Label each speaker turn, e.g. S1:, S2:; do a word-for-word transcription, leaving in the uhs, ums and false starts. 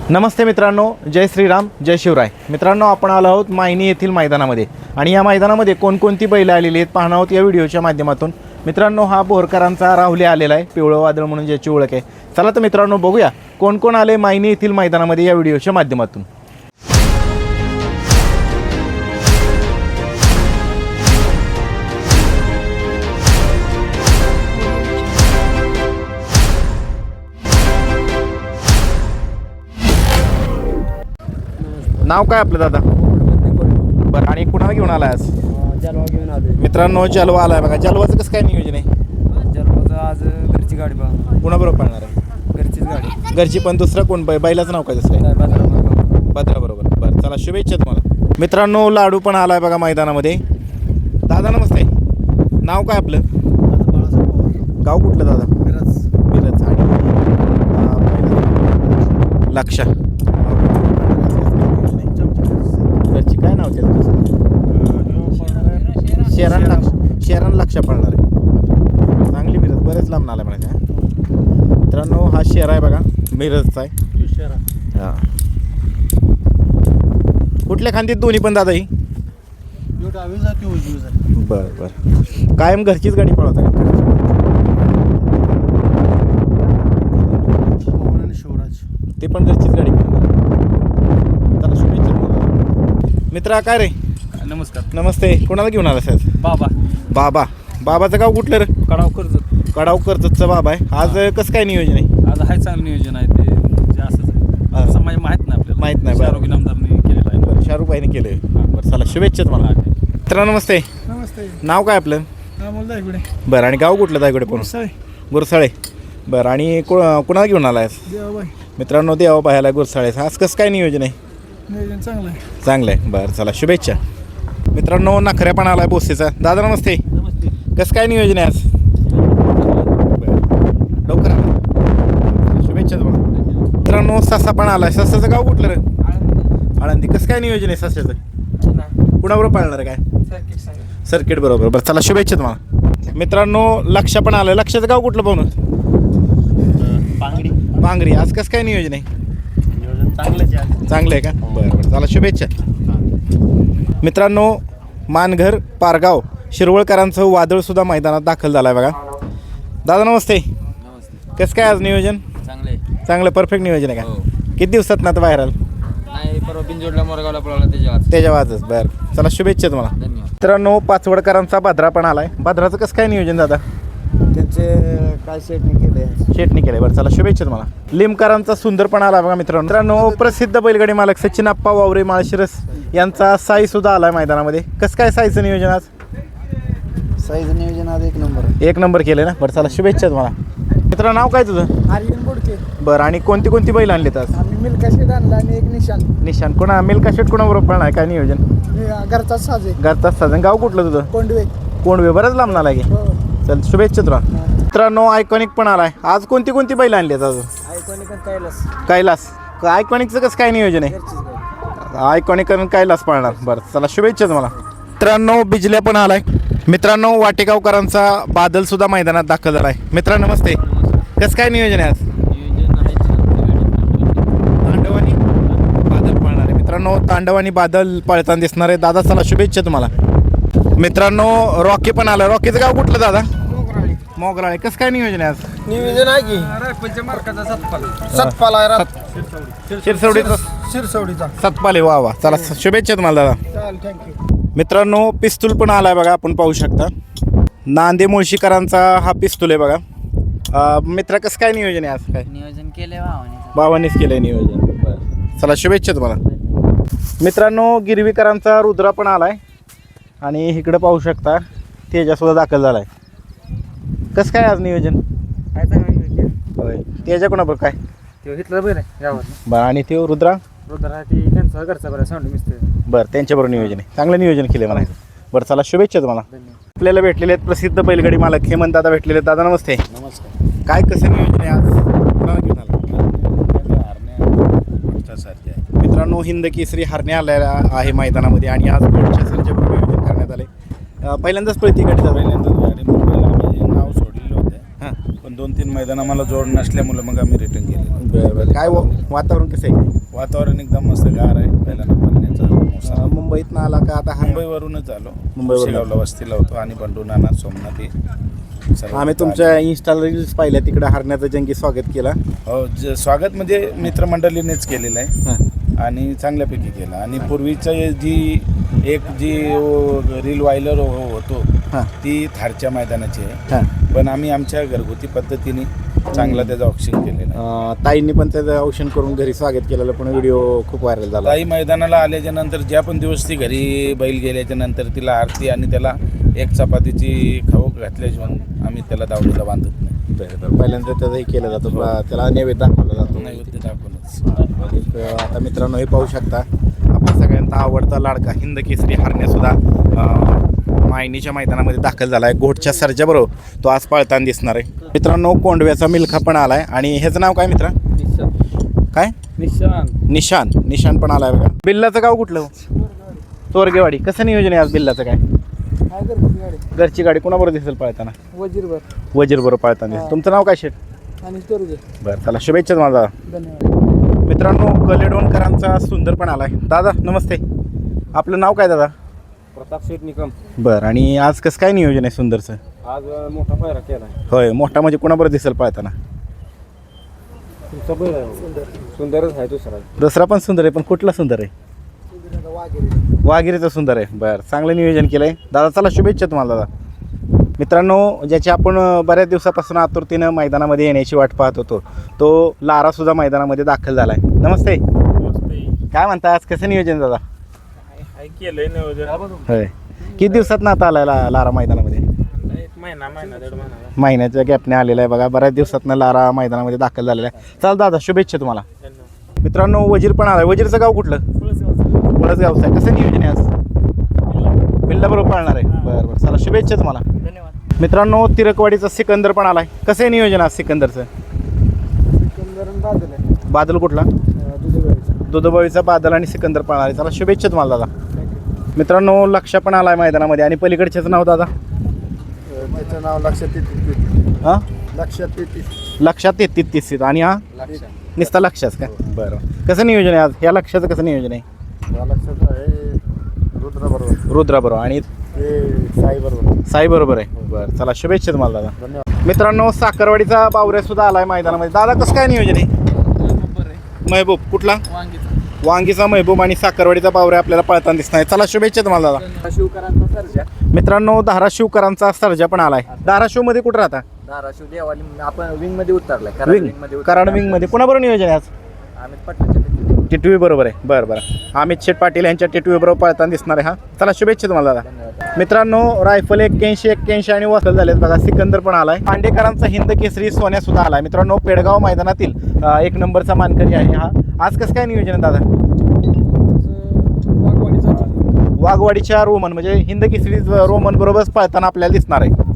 S1: नमस्ते मित्रांनो, जय श्रीराम, जय शिवराय. मित्रांनो, आपण आलो आहोत मायनी येथील मैदानामध्ये आणि या मैदानामध्ये कोणकोणती बैलं आलेली आहेत पाहणार आहोत या व्हिडिओच्या माध्यमातून. मित्रांनो, हा बोरकरांचा राहुल आलेला आहे, पिवळं वादळ म्हणून ज्याची ओळख आहे. चला तर मित्रांनो बघूया कोण कोण आले मायनी येथील मैदानामध्ये या व्हिडिओच्या माध्यमातून. नाव काय आपलं दादा? बरं, आणि कुणाला घेऊन आलाय आज?
S2: जलवा घेऊन आलोय
S1: मित्रांनो, जलवा आलाय बघा. जलवाचं कसं काय नियोजन आहे?
S2: जलवाचं आज घरची गाडी बा
S1: कुणाबरोबर पाळणार आहे?
S2: घरचीच गाडी.
S1: घरची, पण दुसरं कोण बै बैलाचं नाव काय दुसरं आहे?
S2: काय बाजारात बघा.
S1: भद्रा बरोबर. बरं, चला शुभेच्छा तुम्हाला. मित्रांनो, लाडू पण आलाय बघा मैदानामध्ये. दादा नमस्ते, नाव काय आपलं? गाव कुठलं दादा?
S2: मिरज.
S1: मिरज. आणि लक्षा घरची काय नाव त्याचं? शेरान लक्ष शेरान लक्ष पडणार आहे. चांगली मिरज, बरेच लांब आला म्हणायचं. मित्रांनो, हा शेरा आहे बघा, मिरजचा आहे. हां, कुठल्या खांदीत दोन्ही पण दादा ही? बरं बरं, कायम घरचीच गाडी पळवता का?
S2: शिवराज
S1: ते पण घरचीच गाडी पळवणार. त्याला शुभेच्छा. मित्रा काय रे?
S2: नमस्कार.
S1: नमस्ते, कोणाला घेऊन आला साहेब?
S2: बाबा.
S1: बाबा. बाबाचं गाव कुठलं रे?
S2: कडाव कर्जत.
S1: कडाव कर्जतचा बाबा आहे. आज कसं काय नियोजन आहे?
S2: आज हाय चांगलं नियोजन आहे ते, म्हणजे असंच आहे. असं म्हणजे माहीत नाही आपल्याला.
S1: माहीत नाही.
S2: शाहरुख इनामदारने केलेलं आहे.
S1: बरं, शाहरुख भाईने केलं. बरं, चला शुभेच्छा तुम्हाला. मित्रा नमस्ते,
S2: नमस्ते.
S1: नाव काय आपलं?
S2: बोलता इकडे.
S1: बरं, आणि गाव कुठलं दायकडे पण? गुरसाळे. बरं, आणि को कुणाला घेऊन आला आहेस?
S2: देवाबाई.
S1: मित्रांनो, देवा पाहायला गुरसाळे. आज कसं काय नियोजन आहे?
S2: नियोजन चांगलं आहे.
S1: चांगलं आहे. बरं, चला शुभेच्छा. मित्रांनो, नखऱ्या पण आला आहे बोसेचा. दादा नमस्ते,
S2: नमस्ते.
S1: कसं काय नियोजन आहे आज? बरं, लवकर आला. शुभेच्छा तुम्हाला. मित्रांनो, ससा पण आला आहे. ससाचं गाव कुठलं रे? आळंदी. कसं काय नियोजन आहे ससाचं? कुणाबरोबर पाळणार आहे काय? सर्किट बरोबर. बरं, चला शुभेच्छा तुम्हाला. मित्रांनो, लक्ष पण आलं. लक्षाचं गाव कुठलं पाहून?
S2: पांगडी.
S1: पांगरी. आज कसं काय नियोजन आहे?
S2: नियोजन चांगलंच आहे.
S1: चांगलं आहे का? बरं बरं, चला शुभेच्छा. मित्रांनो, मानघर पारगाव शिरवळकरांचं वादळसुद्धा मैदानात दाखल झालं आहे बघा. दादा नमस्ते.
S2: नमस्ते.
S1: कसं काय आज नियोजन?
S2: चांगले.
S1: चांगलं परफेक्ट नियोजन आहे का? किती दिवसात ना आता बाहेर आलं?
S2: नाही, परवा बिनजोडला मोरगावला पळवला त्याच्या
S1: त्याच्या वाजच. बरं, चला शुभेच्छा तुम्हाला.
S2: धन्यवाद.
S1: मित्रांनो, पाचवडकरांचा भद्रा पण आलाय. भद्राचं कसं काय नियोजन दादा?
S2: त्यांचे काय शेटने केले.
S1: शेटणी केलंय. बरं, चला शुभेच्छा तुम्हाला. लिमकरांचा सुंदर पण आला बघा मित्रांनो. मित्रांनो, प्रसिद्ध बैलगाडी मालक सचिन आप्पा वावरे माळशिरस यांचा साई सुद्धा आलाय मैदानामध्ये. कसं काय साईचं नियोजन आज?
S2: साईज नियोजन आज एक नंबर.
S1: एक नंबर केलं ना. बरं, चला शुभेच्छा तुम्हाला. मित्र, नाव काय तुझं?
S2: आर्यन बोडके.
S1: बरं, आणि कोणती कोणती बैल आणलीत आज?
S2: आम्ही मिल्का शेट आणला आणि एक निशान.
S1: निशान. कोणा मिल्का शेट कोणाबरोबर पण आहे? काय नियोजन?
S2: घरचाच साजे.
S1: घरचाच साधन. गाव कुठलं तुझं?
S2: कोंडवे.
S1: कोंडवे. बरंच लांब आला की.
S2: हो.
S1: चल शुभेच्छा तुला. मित्रांनो, आयकॉनिक पण आलाय. आज कोणती कोणती बैल आणली आहेत अजून?
S2: आयकॉनिक कैलास.
S1: कैलास. आयकॉनिकचं कसं काय नियोजन आहे? आयकॉनिक आणि कैलास पाळणार. बरं, चला शुभेच्छा तुम्हाला. मित्रांनो, बिजल्या पण आलाय. मित्रांनो, वाटेगावकरांचा बादल सुद्धा मैदानात दाखल झालाय. मित्र नमस्ते, कसं काय नियोजन आहे आज? तांडव आणि बादल पाळणार आहे. मित्रांनो, तांडव आणि बादल पळताना दिसणार आहे. दादा, चला शुभेच्छा तुम्हाला. मित्रांनो, रॉकी पण आला. रॉकीचं गाव कुठलं दादा? मोगराळे. कसं काय नियोजन आहे आज?
S2: नियोजन आहे की रायफलच्या मार्काचा सतपाल. सतपाल आहे रात.
S1: शिरसवडीचा
S2: शिरसवडीचा
S1: सतपाल आहे. वा वा, चला शुभेच्छा तुम्हाला दादा.
S2: चाल, थँक्यू.
S1: मित्रांनो, पिस्तूल पण आलाय बघा, आपण पाहू शकता. नांदे मुळशीकरांचा हा पिस्तूल आहे बघा. मित्रा, कसं काय नियोजन आहे आज? काय
S2: नियोजन केलंय भावाने.
S1: भावानीच केलंय नियोजन. बरं, चला शुभेच्छा तुम्हाला. मित्रांनो, गिरवीकरांचा रुद्रा पण आलाय आणि इकडं पाहू शकता तेजा सुद्धा दाखल झालाय. कसं काय आज नियोजन?
S2: काय चांगलं
S1: होय, तेजा कोणाबरोबर काय?
S2: ते घेतलं बरं गावात.
S1: बरं, आणि ते रुद्रा?
S2: रुद्रा ती त्यांचा घरचा बरं साऊंड मिस्त्री.
S1: बरं, त्यांच्याबरोबर नियोजन आहे. चांगलं नियोजन केलं म्हणायचं. बरं, चला शुभेच्छा तुम्हाला. आपल्याला भेटलेले आहेत प्रसिद्ध बैलगाडी मालक हेमंत दादा भेटलेले आहेत. दादा नमस्ते.
S3: नमस्कार.
S1: काय कसं नियोजन आहे आज? कोणाला घेऊन आला? मित्रांनो, हिंद केसरी हरणे आलेला आहे मैदानामध्ये आणि आज पुढच्या सर्जेबरोबर नियोजन करण्यात आले. पहिल्यांदाच पळती गाडी झाली.
S3: नाव सोडलेलं होतं. हां, पण दोन तीन मैदान आम्हाला जोड नसल्यामुळे मग आम्ही रिटर्न केलं.
S1: बरं बरं, काय वातावरण कसं आहे?
S3: वातावरण एकदम मस्त गार आहे पहिल्यांदा पाण्याचा मोसम.
S1: मुंबईत आला का आता हा
S3: मुंबईवरूनच आलो.
S1: मुंबईवरून.
S3: शेगावला वस्तीला होतो आणि बंडू नाना सोमनाथ हे सर्व
S1: आम्ही
S3: तिथं
S1: तुमच्या
S3: आले.
S1: इन्स्टाला रील्स पाहिल्या तिकडे हरण्याचं जंगी स्वागत केला.
S3: हो ज- स्वागत म्हणजे मित्रमंडळीनेच केलेलं आहे
S1: हां
S3: आणि चांगल्यापैकी केलं. आणि पूर्वीचं जी एक जी रील वायलर होतो
S1: हां
S3: ती थारच्या मैदानाची आहे,
S1: हां
S3: पण आम्ही आमच्या घरगुती पद्धतीने चांगला त्याचं ऑप्शन केलेलं आहे.
S1: अं, ताईंनी पण त्याचं औषण करून घरी स्वागत केलेलं पण व्हिडिओ खूप व्हायरल झाला.
S3: ताई मैदानाला आल्याच्या नंतर ज्या पण दिवस ती घरी बैल गेल्याच्या नंतर तिला आरती आणि त्याला एक चपातीची खाऊ घातल्याशिवाय आम्ही त्याला दावणीला बांधत नाही.
S1: बरं बरं पहिल्यांदा त्याचं हे केलं जातं बा- त्याला नैवेद्य दाखवला जातो.
S3: नैवेद्य दाखवूनच.
S1: एक, आता मित्रांनो हे पाहू शकता आपल्या सगळ्यांचा आवडता लाडका हिंद केसरी हरण्यासुद्धा मायनीच्या मैदानामध्ये दाखल झाला आहे. घोटच्या सरच्या बरोबर तो आज पळताना दिसणार आहे. मित्रांनो कोंडव्याचा मिल्खा पण आला आहे आणि ह्याचं नाव काय मित्रा काय
S2: निशान
S1: निशान निशान पण आला आहे बघा. बिल्लाचं गाव कुठलं तोरगेवाडी. कसं नियोजन आहे आज बिल्लाचं काय घरची गाडी कोणाबरोबर दिसेल पळताना
S2: वजीरभर
S1: वजीर बरोबर पळताना दिसेल. तुमचं नाव काय शेट
S2: आणि तोरगे.
S1: बरं चला शुभेच्छा तुम्हाला दादा.
S2: धन्यवाद.
S1: मित्रांनो कलेडोणकरांचा सुंदर पण आला आहे. दादा नमस्ते आपलं नाव काय दादा.
S2: प्रताप शेठ निकम.
S1: बरं आणि आज कसं काय नियोजन आहे सुंदरचं.
S2: आज मोठा पायरा केला
S1: होय मोठा म्हणजे कोणाबरोबर दिसेल पळताना.
S2: तुमचा बैल आहे सुंदरच आहे दुसरा.
S1: दसरा पण सुंदर आहे पण कुठला सुंदर आहे वाघिरीचं सुंदर आहे. बरं चांगलं नियोजन केलं आहे दादा. चला शुभेच्छा तुम्हाला दादा. मित्रांनो ज्याची आपण बऱ्याच दिवसापासून आतुरतेनं मैदानामध्ये येण्याची वाट पाहत होतो तो लारासुद्धा मैदानामध्ये दाखल झाला आहे. नमस्ते काय म्हणता आज कसं नियोजन दादा.
S2: केलंय नियोजन
S1: होय किती दिवसात ना आता आलाय ला- लारा मैदानामध्ये.
S2: एक महिना महिना दीड महिना.
S1: महिन्याच्या गॅपने आलेला आहे बघा. बऱ्याच दिवसातनं लारा मैदानामध्ये दाखल झालेला आहे. चाल दादा शुभेच्छा तुम्हाला. मित्रांनो वजीर पण आलाय. वजीरचं गाव कुठलं वडच गावचं आहे. कसं नियोजन आहे आज बिल्ला बरोबर पाळणार आहे. बरं बरं चला शुभेच्छा तुम्हाला.
S2: धन्यवाद.
S1: मित्रांनो तिरकवाडीचा सिकंदर पण आलाय. कसं आहे नियोजन आज सिकंदरचं.
S2: बादल आहे
S1: बादल कुठला
S2: दुधेवाडीचा.
S1: दुधबावीचा बादल आणि सिकंदर पण आलाय. चला शुभेच्छा तुम्हाला दादा. मित्रांनो लक्ष पण आलाय मैदानामध्ये आणि पलीकडच्याचं नाव दादा
S2: त्याचं नाव लक्षात येते.
S1: हां
S2: लक्षात येते.
S1: लक्षात तेहतीस तीस आणि हा निस्ता लक्षात का. बरं कसं नियोजन आहे आज या लक्षाचं कसं नियोजन आहे.
S2: लक्षात आहे रुद्रा बरोबर
S1: रुद्रा बरोबर आणि
S2: ते साई बरोबर.
S1: साई बरोबर आहे. बरं चला शुभेच्छा तुम्हाला दादा.
S2: धन्यवाद.
S1: मित्रांनो साखरवाडीचा बावऱ्या सुद्धा आलाय मैदानामध्ये. दादा कसं काय नियोजन आहे. महबूब कुठला वांगीचा महबूब आणि साखरवाडीचा बावऱ्या आपल्याला पळताना दिसणार. चला शुभेच्छा तुम्हाला दादा.
S2: शिवकरांचा सर्जा.
S1: मित्रांनो धाराशिवकरांचा सर्जा पण आलाय. धाराशिव मध्ये कुठं राहता.
S2: धाराशिव देवाली आपण विंग मध्ये उतरलाय. कराड
S1: विंग
S2: विंग मध्ये
S1: कराड विंग मध्ये कुणाबरोबर नियोजन आहे आज.
S2: आम्ही पटनाच्या
S1: टिटवी बरोबर आहे. बरं बरं अमित शेठ पाटील यांच्या टिटवी बरोबर पळताना दिसणार आहे. हा चला शुभेच्छा तुम्हाला दादा.
S2: धन्यवाद.
S1: मित्रांनो रायफल एक्क्याऐंशी एक्क्याऐंशी आणि वसल झालेत बघा. सिकंदर पण आलाय. पांडेकरांचा हिंद केसरी सोन्या सुद्धा आलाय. मित्रांनो पेडगाव मैदानातील अं, एक नंबरचा मानकरी आहे हा. आज कसं काय नियोजन आहे दादा. वाघवाडीच्या रोमन म्हणजे हिंद केसरी रोमन बरोबरच पळताना आपल्याला दिसणार आहे.